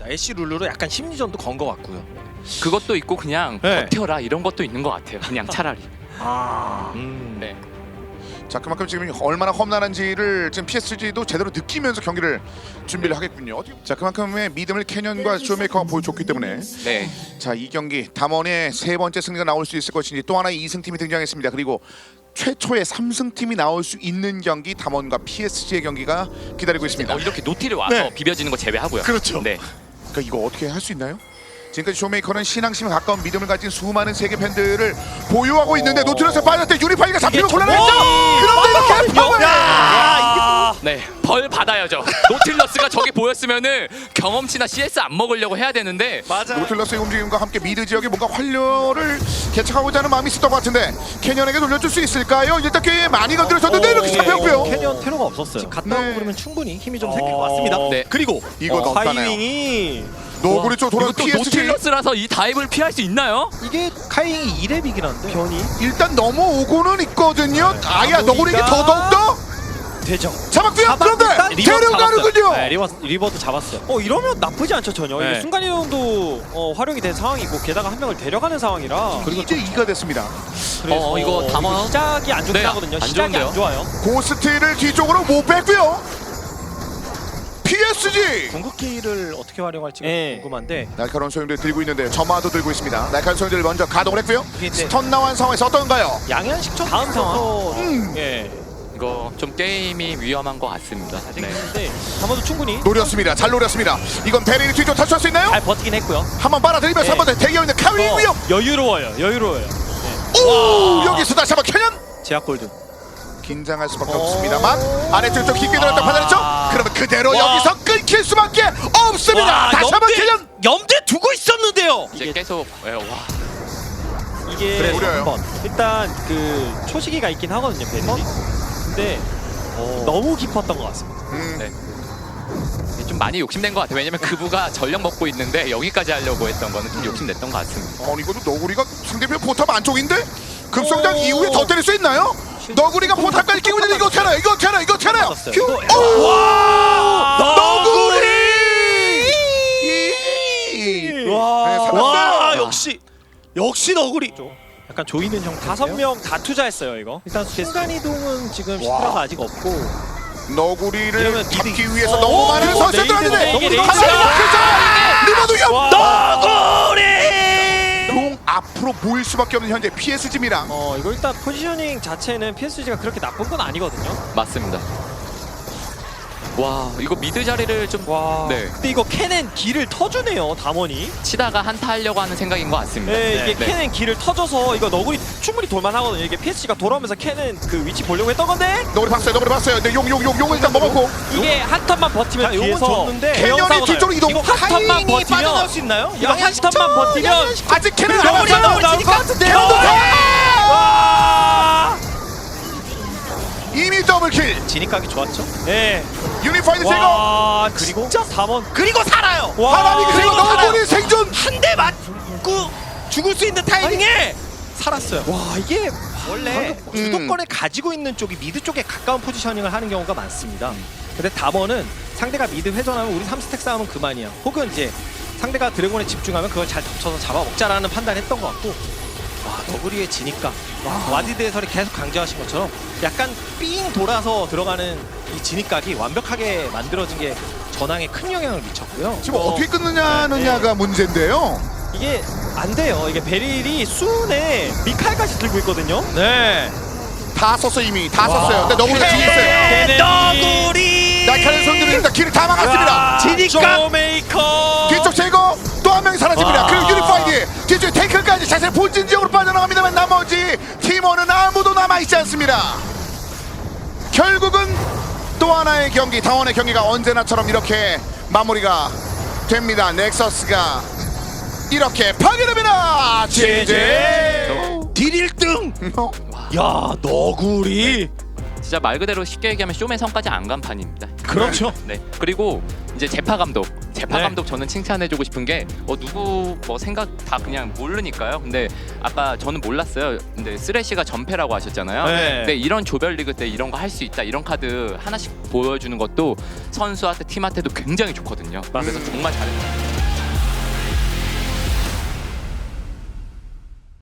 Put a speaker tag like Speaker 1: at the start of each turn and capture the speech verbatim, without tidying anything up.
Speaker 1: 애쉬 룰루로 약간 심리전도 건 것 같고요.
Speaker 2: 그것도 있고 그냥
Speaker 1: 네.
Speaker 2: 버텨라 이런 것도 있는 것 같아요. 그냥 차라리.
Speaker 1: 아, 음.
Speaker 2: 네.
Speaker 3: 자, 그만큼 지금 얼마나 험난한지를 지금 피에스지도 제대로 느끼면서 경기를 준비를 하겠군요. 자, 그만큼의 믿음을 캐년과 쇼메이커가 보여줬기 때문에
Speaker 2: 네.
Speaker 3: 자, 이 경기 담원의 세 번째 승리가 나올 수 있을 것인지 또 하나의 이 승팀이 등장했습니다. 그리고 최초의 삼 승팀이 나올 수 있는 경기 담원과 피에스지의 경기가 기다리고 있습니다.
Speaker 2: 어, 이렇게 노티를 와서
Speaker 3: 네.
Speaker 2: 비벼지는 거 제외하고요.
Speaker 3: 그렇죠.
Speaker 2: 네.
Speaker 3: 그러니까 이거 어떻게 할 수 있나요? 지금까지 쇼메이커는 신앙심에 가까운 믿음을 가진 수많은 세계 팬들을 보유하고 있는데 노트러스에 빠졌을 때 유리파이가 잡히면 곤란했죠. 그런데 이렇게 파워를
Speaker 2: 네. 벌 받아야죠. 노틸러스가 저기 보였으면은 경험치나 씨에스 안 먹으려고 해야 되는데
Speaker 1: 맞아.
Speaker 3: 노틸러스의 움직임과 함께 미드 지역에 뭔가 활력을 개척하고자 하는 마음이 있었던 것 같은데 캐년에게 돌려줄 수 있을까요? 일단 꽤 많이 건드려줬는데 이렇게 잡혔고요.
Speaker 1: 캐년 테러가 없었어요. 갔다
Speaker 3: 네.
Speaker 1: 오고 그러면 충분히 힘이 좀 생길 것 같습니다.
Speaker 2: 네.
Speaker 1: 그리고
Speaker 3: 이거
Speaker 1: 어,
Speaker 3: 넣었다네요.
Speaker 1: 카이윙이
Speaker 3: 노구리 쪽 돌아온
Speaker 2: 이것도
Speaker 3: 피에스지
Speaker 2: 노틸러스라서 이 다이브를 피할 수 있나요?
Speaker 1: 이게 카이윙이 이 렙이긴 한데 변이
Speaker 3: 일단 넘어오고는 있거든요. 아야
Speaker 1: 노구리가-
Speaker 3: 너구리에게 더더욱더
Speaker 1: 되죠.
Speaker 3: 잡았고요. 그런데 데려가는군요.
Speaker 4: 네, 리버, 리버도 잡았어요.
Speaker 1: 어 이러면 나쁘지 않죠 전혀.
Speaker 4: 네.
Speaker 1: 이게 순간 이동도 어, 활용이 된 상황이고 게다가 한 명을 데려가는 상황이라.
Speaker 3: 그리고 이제 이가 됐습니다.
Speaker 1: 그래서
Speaker 2: 어, 이거 담원?
Speaker 1: 시작이 안 좋긴
Speaker 2: 네,
Speaker 1: 하거든요.
Speaker 2: 안
Speaker 1: 시작이
Speaker 2: 좋은데요?
Speaker 1: 안 좋아요.
Speaker 3: 고스트를 뒤쪽으로 못 뺐고요. 피에스지
Speaker 1: 궁극기를 어떻게 활용할지가
Speaker 4: 예.
Speaker 1: 궁금한데.
Speaker 3: 날카로운 소용들 들고 있는데요. 점화도 들고 있습니다. 날카로운 소용들을 먼저 가동을 했고요.
Speaker 1: 이게 이제
Speaker 3: 스턴 나온 상황에서 어떤가요?
Speaker 1: 양현식처
Speaker 4: 다음 상황.
Speaker 3: 음.
Speaker 4: 예.
Speaker 2: 이거 좀 게임이 위험한 것 같습니다. 네.
Speaker 1: 근데 담아도 충분히
Speaker 3: 노렸습니다. 잘 노렸습니다. 이건 베리를 뒤쪽 탈출할 수 있나요?
Speaker 4: 잘 버티긴 했고요.
Speaker 3: 한번 빨아들이면서
Speaker 1: 네.
Speaker 3: 한 번 더 대기하고 있는 카위
Speaker 1: 어,
Speaker 3: 위험.
Speaker 1: 여유로워요. 여유로워요.
Speaker 3: 오 여기서 다시 한번 캐년
Speaker 1: 제약 골드.
Speaker 3: 긴장할 수밖에
Speaker 1: 오.
Speaker 3: 없습니다만 아래쪽 좀 깊게 들어갔다 판단했죠? 그러면 그대로
Speaker 1: 와.
Speaker 3: 여기서 끊길 수밖에 없습니다.
Speaker 1: 와,
Speaker 3: 다시 한번
Speaker 1: 염두에-
Speaker 3: 캐년.
Speaker 1: 염두에 두고 있었는데요.
Speaker 2: 이제
Speaker 1: 이게
Speaker 2: 계속 예, 와.
Speaker 1: 이게
Speaker 3: 그래, 노려요.
Speaker 1: 한번 일단 그 초시기가 있긴 하거든요 베리. 근데 너무 깊었던 것 같습니다.
Speaker 3: 음.
Speaker 2: 네. 좀 많이 욕심낸 것 같아요. 왜냐면 그부가 전력 먹고 있는데 여기까지 하려고 했던 거는 좀 욕심냈던 것 같습니다.
Speaker 3: 아니 이것도 너구리가 상대편 포탑 안쪽인데 급성장
Speaker 1: 오.
Speaker 3: 이후에 더 때릴 수 있나요? 너구리가 포탑까지 끼고 있는데 이거 어떻게 하나요? 이거 어떻게 하나요? 이거 어떻게 하나요?
Speaker 1: 맞았어요.
Speaker 3: 휴!
Speaker 1: 이거-
Speaker 3: 오!
Speaker 1: 와!
Speaker 3: 너구리! 이-
Speaker 1: 와,
Speaker 3: 네, 살았어요.
Speaker 1: 와 역시 역시 너구리. 약간 조이는 형 다섯 명 다 투자했어요 이거. 일단 순간 이동은 지금 시트라가 아직 없고.
Speaker 3: 너구리를
Speaker 1: 이러면
Speaker 3: 잡기
Speaker 1: 미드-
Speaker 3: 위해서
Speaker 1: 어,
Speaker 3: 너무 많은
Speaker 1: 이거
Speaker 3: 선수들
Speaker 1: 레이드가
Speaker 3: 하는데
Speaker 1: 너무
Speaker 3: 하나를
Speaker 1: 레이드가-
Speaker 3: 막혔죠! 리버도 위험!
Speaker 1: 너구리.
Speaker 3: 용 앞으로 모일 수밖에 없는 현재 피에스지입니다.
Speaker 1: 어 이거 일단 포지셔닝 자체는 피에스지가 그렇게 나쁜 건 아니거든요.
Speaker 2: 맞습니다. 와 이거 미드 자리를 좀
Speaker 1: 와.
Speaker 2: 네.
Speaker 1: 근데 이거 캐넨 길을 터주네요 담원이.
Speaker 2: 치다가 한타 하려고 하는 생각인 것 같습니다.
Speaker 1: 네, 이게
Speaker 2: 네.
Speaker 1: 캐넨 길을 터져서 이거 너구리 충분히 돌만하거든요. 이게 피에스지가 돌아오면서 캐넨 그 위치 보려고 했던 건데
Speaker 3: 너구리 봤어요. 너구리 봤어요. 근데 용, 용, 용, 용을 일단 먹었고
Speaker 1: 이게 한 턴만 버티면
Speaker 4: 자, 요건
Speaker 1: 뒤에서
Speaker 4: 줬는데
Speaker 1: 대형
Speaker 3: 캐년이
Speaker 1: 사고
Speaker 3: 뒤쪽으로
Speaker 1: 나요.
Speaker 3: 이동.
Speaker 1: 이거 한 턴만 버티면
Speaker 4: 수 있나요?
Speaker 1: 이거 한 턴만 버티면
Speaker 3: 아직 캐는
Speaker 1: 너구리
Speaker 3: 남았어요.
Speaker 1: 나올 것 같은데요. 와!
Speaker 3: 이미 더블킬.
Speaker 4: 진입각이 좋았죠?
Speaker 1: 네.
Speaker 3: 유니파이드 제거.
Speaker 1: 와,
Speaker 4: 그리고?
Speaker 1: 진짜 사 번.
Speaker 4: 그리고 살아요.
Speaker 1: 와.
Speaker 3: 바람이 그리고 너구리 생존.
Speaker 4: 한 대 맞고 죽을 수 있는 타이밍에 살았어요.
Speaker 1: 와, 이게
Speaker 4: 원래
Speaker 1: 주도권을 가지고 있는 쪽이 미드 쪽에 가까운 포지셔닝을 하는 경우가 많습니다. 근데 담원은 상대가 미드 회전하면 우리 삼 스택 싸움은 그만이야. 혹은 이제 상대가 드래곤에 집중하면 그걸 잘 덮쳐서 잡아먹자라는 판단을 했던 것 같고, 와 너구리의 지니까 와, 와디드 해설이 계속 강조하신 것처럼 약간 삥 돌아서 들어가는 이 진입각이 완벽하게 만들어진 게 전황에 큰 영향을 미쳤고요.
Speaker 3: 지금 어, 떻게
Speaker 1: 네.
Speaker 3: 끊느냐느냐가 문제인데요.
Speaker 1: 이게 안 돼요. 이게 베릴이 수은에 미칼까지 들고 있거든요.
Speaker 4: 네.
Speaker 3: 다 썼어 이미 다 썼어요. 근데 너구리가 뒤에 있어요.
Speaker 4: 너구리.
Speaker 3: 날카로운 손들이 일단 길을 다 막았습니다.
Speaker 1: 지니까 쇼메이커.
Speaker 3: 뒤쪽 제거 또 한 명이 사라집니다.
Speaker 1: 와.
Speaker 3: 그리고 유니파이드 뒤쪽에 테이크까지 자신의 본진 지역으로 빠져나갑니다만 나머지 팀원은 아무도 남아있지 않습니다. 결국은 또 하나의 경기, 당원의 경기가 언제나처럼 이렇게 마무리가 됩니다. 넥서스가 이렇게 파괴됩니다. 제제
Speaker 4: 딜 일 등.
Speaker 1: 야 너구리.
Speaker 2: 진짜 말 그대로 쉽게 얘기하면 쇼맨 성까지 안 간 판입니다.
Speaker 1: 그렇죠.
Speaker 2: 네. 그리고 이제 재파 감독, 재파
Speaker 1: 네.
Speaker 2: 감독 저는 칭찬해주고 싶은 게 어, 누구 뭐 생각 다 그냥 모르니까요. 근데 아까 저는 몰랐어요. 근데 쓰레쉬가 전패라고 하셨잖아요.
Speaker 1: 네.
Speaker 2: 근데 이런 조별리그 때 이런 거 할 수 있다, 이런 카드 하나씩 보여주는 것도 선수한테 팀한테도 굉장히 좋거든요. 그래서 정말 잘했어요.